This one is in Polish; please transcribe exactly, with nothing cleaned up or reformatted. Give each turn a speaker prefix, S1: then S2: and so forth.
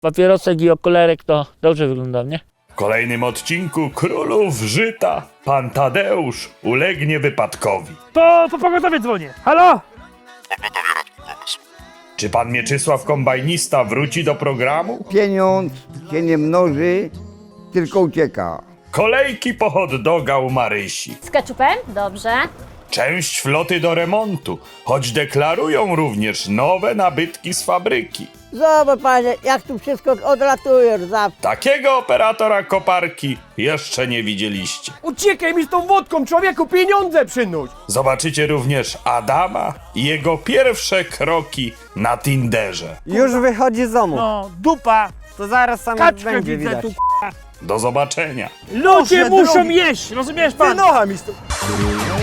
S1: papierosek i okularek to dobrze wyglądam, nie?
S2: W kolejnym odcinku Królów Żyta pan Tadeusz ulegnie wypadkowi.
S3: To po pogotowie dzwonię. Halo?
S2: Czy pan Mieczysław Kombajnista wróci do programu?
S4: Pieniądz się nie mnoży, tylko ucieka.
S2: Kolejki po hot doga u Marysi.
S5: Z keczupem? Dobrze.
S2: Część floty do remontu, choć deklarują również nowe nabytki z fabryki.
S6: Zobacz panie, jak tu wszystko odlatuje zawsze.
S2: Takiego operatora koparki jeszcze nie widzieliście.
S3: Uciekaj mi z tą wódką, człowieku, pieniądze przynuć.
S2: Zobaczycie również Adama i jego pierwsze kroki na Tinderze.
S7: Już wychodzi z domu.
S3: No, dupa.
S7: To zaraz sam
S3: Kaczkę
S7: będzie
S3: widzę
S7: widać.
S3: tu.
S2: Do zobaczenia.
S3: Ludzie
S7: Boże
S3: muszą
S7: drogi.
S3: jeść, rozumiesz pan?
S7: Ty nocha mi stu...